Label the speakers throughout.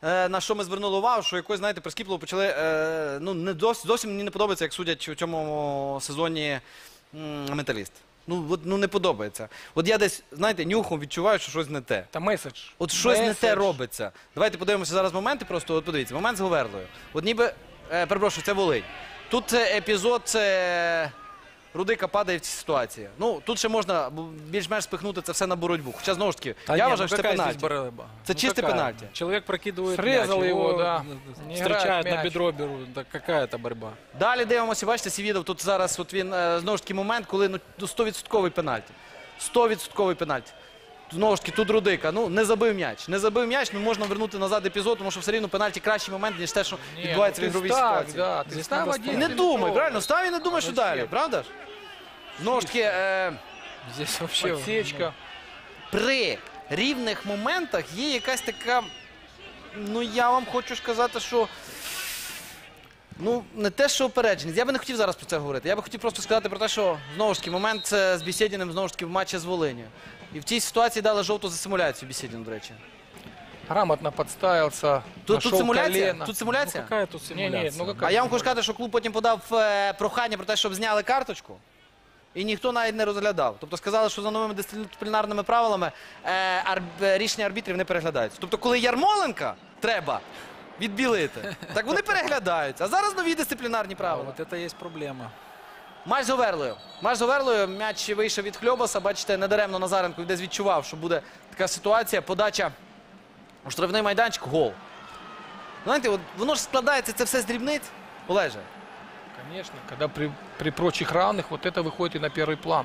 Speaker 1: на що ми звернули увагу, що якось, знаєте, прискіпливо почали, ну, зовсім мені не подобається, як судять у цьому сезоні Металіст. Ну, не подобається. От я десь, знаєте, нюхом відчуваю, що щось не те.
Speaker 2: Та меседж.
Speaker 1: От щось не те робиться. Давайте подивимося зараз моменти, просто от подивіться. Момент з Говерлою. От ніби, перепрошую, це Волинь. Тут епізод, це Рудика падає в цій ситуації. Ну, тут ще можна більш-менш спихнути це все на боротьбу. Хоча, знову ж таки, я вважаю, що це пенальті. Це чисте пенальті.
Speaker 3: Человек прокидывает
Speaker 2: Срезал
Speaker 3: мяч,
Speaker 2: его, да.
Speaker 3: встречает на бедро, берут. Да какая это борьба?
Speaker 1: Далі дивимося, бачите, Севідов, тут зараз от він, знову ж таки, момент, коли 100% пенальті. 100% пенальті. Знову ж таки, тут Рудика, ну, не забив м'яч. Не забив м'яч, ну, можна вернути назад епізод, тому що все рівно пенальті кращий момент, ніж те, що відбувається в ігровій ситуації.
Speaker 2: Да, ти став один.
Speaker 1: Не думай, правильно, став і не думай, що далі, правда ж? Знову ж таки,
Speaker 3: Здесь вообще...
Speaker 2: Подсечка.
Speaker 1: при рівних моментах є якась така, ну, я вам хочу сказати, що, ну, не те, що упередженість. Я би не хотів зараз про це говорити. Я би хотів просто сказати про те, що, знову ж таки, момент з Бєсєдіним, знову ж таки, в матчі з Волинью. І в цій ситуації дали жовту за симуляцію Бєсєдіну, до речі.
Speaker 2: Грамотно подставился.
Speaker 1: Тут симуляція?
Speaker 2: Колено.
Speaker 1: Тут симуляція?
Speaker 3: Ну какая тут симуляция?
Speaker 2: Не, ну какая?
Speaker 1: А я вам хочу сказати, що клуб потім подав прохання про те, щоб зняли карточку. І ніхто навіть не розглядав. Тобто сказали, що за новими дисциплінарними правилами рішення арбітрів не переглядаються. Тобто, коли Ярмоленка треба відбілити, так вони переглядаються. А зараз нові дисциплінарні правила.
Speaker 3: Вот это есть проблема.
Speaker 1: Матч з Говерлою. Матч з Говерлою. М'яч вийшов від Хльобаса. Бачите, недаремно Назаренко десь відчував, що буде така ситуація. Подача у штрафний майданчик. Гол. Знаєте, от воно ж складається, це все з дрібниць. Олеже.
Speaker 2: Конечно, когда при прочих равных вот это выходит и на первый план.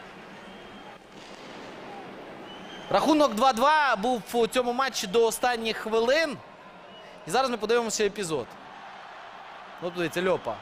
Speaker 1: Рахунок 2-2 був у цьому матчі до останніх хвилин. І зараз ми подивимося епізод. От дивіться, Льопа.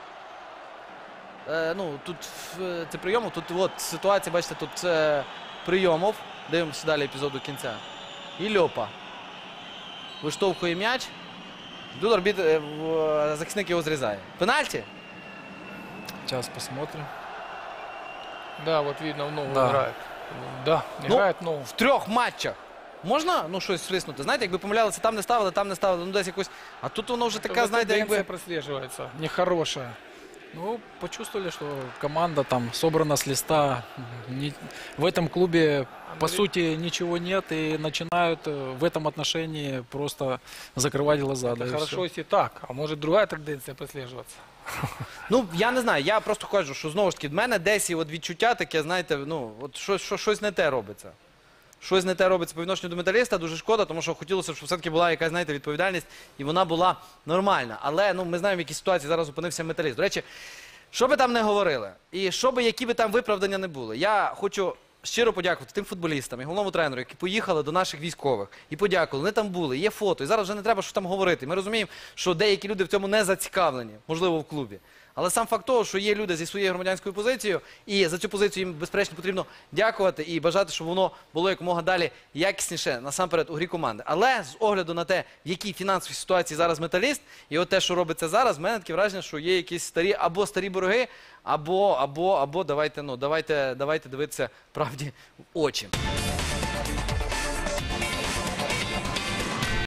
Speaker 1: Ну, тут це Прийомов, тут от ситуація, бачите, тут Прийомов. Дивимося далі епізод до кінця. І Льопа. Виштовхує м'яч. Тут захисник його зрізає. Пенальті?
Speaker 3: Сейчас посмотрим.
Speaker 2: Да, вот видно, в ногу
Speaker 3: Да.
Speaker 2: играет. Да, играет ногу.
Speaker 1: В 3 матчах можна, ну, щось свиснути? Знаєте, якби помилялися, там не ставили, ну, десь якось. А тут воно вже така, знаєте,
Speaker 2: Тенденция
Speaker 1: якби...
Speaker 2: прослеживается.
Speaker 3: Нехорошая. Ну, почувствовали, что команда там собрана с листа. В этом клубе, по сути, ничего нет. И начинают в этом отношении просто закрывать глаза. Да, и
Speaker 2: Хорошо,
Speaker 3: всё.
Speaker 2: если так. А может другая тенденция прослеживаться?
Speaker 1: Ну, я не знаю, я просто кажу, що, знову ж таки, в мене десь і от відчуття таке, знаєте, ну, от щось не те робиться. Щось не те робиться по відношенню до Металіста, дуже шкода, тому що хотілося, щоб все-таки була якась, знаєте, відповідальність, і вона була нормальна. Але, ну, ми знаємо, в якій ситуації зараз опинився Металіст. До речі, що би там не говорили, і які би там виправдання не були, я хочу щиро подякувати тим футболістам і головному тренеру, які поїхали до наших військових і подякували. Вони там були, є фото, і зараз вже не треба, що там говорити. Ми розуміємо, що деякі люди в цьому не зацікавлені, можливо, в клубі. Але сам факт того, що є люди зі своєю громадянською позицією, і за цю позицію їм, безперечно, потрібно дякувати і бажати, щоб воно було якомога далі якісніше, насамперед, у грі команди. Але з огляду на те, в якій фінансовій ситуації зараз Металіст, і от те, що робиться зараз, в мене таке враження, що є якісь старі борги, або давайте дивитися правді в очі.